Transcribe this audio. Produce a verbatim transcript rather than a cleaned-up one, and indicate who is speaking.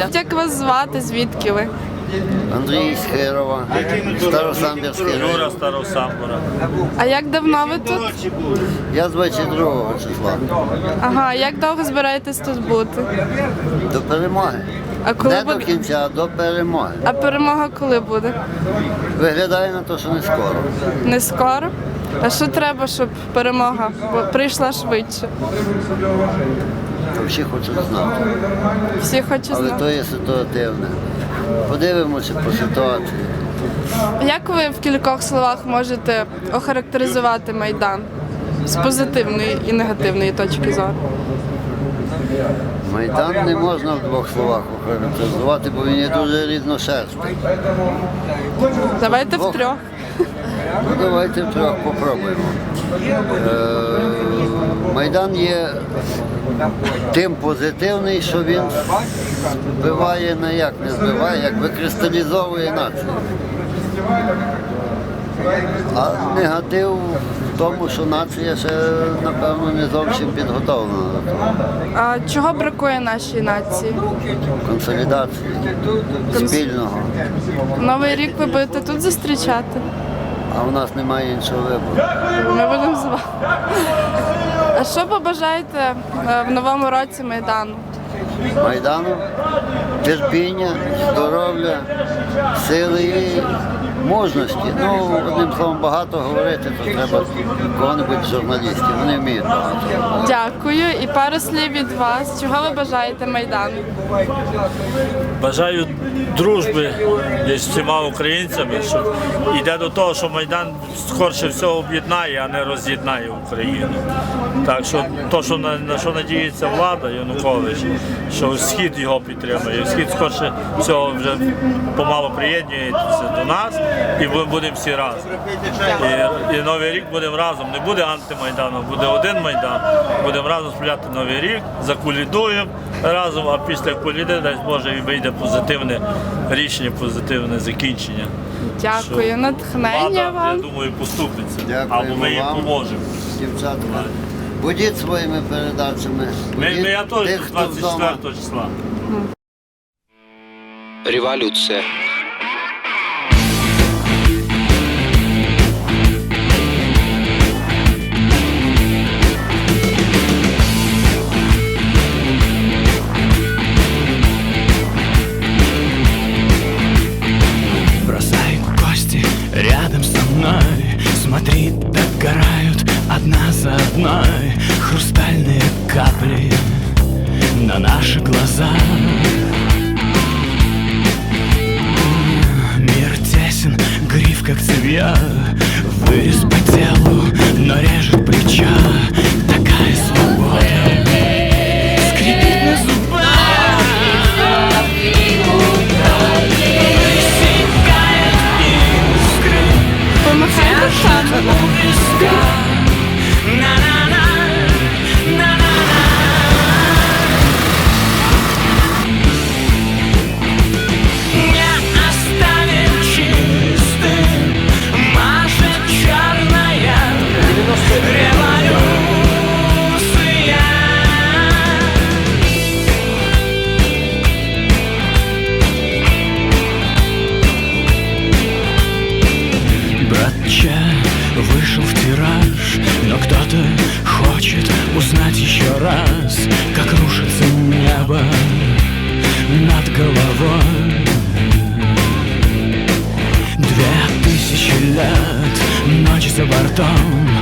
Speaker 1: Маріуполя. Як вас звати, звідки ви?
Speaker 2: Андрій з Хирова, Старосамбірський
Speaker 3: Юра
Speaker 2: район.
Speaker 3: Старосамбура.
Speaker 1: А як давно ви тут?
Speaker 2: Я з двадцять другого числа.
Speaker 1: Ага, як довго збираєтесь тут бути?
Speaker 2: До перемоги.
Speaker 1: А коли
Speaker 2: Не до
Speaker 1: буде?
Speaker 2: кінця, а до перемоги.
Speaker 1: А перемога коли буде?
Speaker 2: Виглядає на те, що не скоро.
Speaker 1: Не скоро? А що треба, щоб перемога прийшла швидше?
Speaker 2: Всі хочуть знати.
Speaker 1: Всі хочуть
Speaker 2: Але
Speaker 1: знати.
Speaker 2: то є ситуативне. Подивимося по ситуації.
Speaker 1: Як ви в кількох словах можете охарактеризувати Майдан з позитивної і негативної точки зору?
Speaker 2: Майдан не можна в двох словах охарактеризувати, бо він є дуже різношерстний.
Speaker 1: Давайте
Speaker 2: Двох.
Speaker 1: в трьох.
Speaker 2: Ну, давайте втрьох попробуємо. Е, Майдан є тим позитивний, що він збиває, не як не збиває, як викристалізовує націю. А негатив в тому, що нація ще, напевно, не зовсім підготовлена до того.
Speaker 1: А чого бракує нашій нації?
Speaker 2: Консолідації спільного.
Speaker 1: Новий рік ви будете тут зустрічати?
Speaker 2: А в нас немає іншого вибору.
Speaker 1: Ми будемо з вами. А що побажаєте е, в новому році Майдану?
Speaker 2: Майдану, терпіння, здоров'я, сили і мужності. Ну, одним словом, багато говорити, то треба кого-небудь з журналістів. Вони вміють багато.
Speaker 1: Дякую. І пару слів від вас. Чого ви бажаєте Майдану?
Speaker 3: Бажаю дружби з всіма українцями, що йде до того, що Майдан скорше всього об'єднає, а не роз'єднає Україну. Так що то, що на, на що надіється влада Янукович, що Схід його підтримує. Схід скорше всього вже помало приєднується до нас, і ми будемо всі разом. І, і Новий рік будемо разом. Не буде антимайдану, буде один Майдан. Будемо разом справляти Новий рік, заколідуємо разом, а після коліди, дай Боже, і вийде позитивне рішення, позитивне закінчення.
Speaker 1: Дякую.
Speaker 3: Що
Speaker 1: Натхнення
Speaker 3: влада,
Speaker 1: вам.
Speaker 3: я думаю, поступиться.
Speaker 2: Дякуємо
Speaker 3: Або ми їм
Speaker 2: вам.
Speaker 3: поможемо.
Speaker 2: Дівчата, будіть своїми передачами.
Speaker 3: Ми,
Speaker 2: Будіть
Speaker 3: ми я теж
Speaker 2: тих, хто
Speaker 3: двадцять
Speaker 2: вдома.
Speaker 3: четвертого числа.
Speaker 4: Революция.
Speaker 5: Бросай кости рядом со мной. Смотри, догорают одна за одной хрустальные капли на наши глаза. Мир тесен, гриф как цевья, вырез по телу, но режет плеча. Такая свобода скрипит на зубах. Высекает искры
Speaker 1: Помахайте шаром.
Speaker 5: у виска. На-на-на, на-на-на. Не оставим чистым, машет черная революция. Братча вышел в тираж, но кто-то хочет узнать еще раз, как рушится небо над головой. Две тысячи лет, ночь за бортом,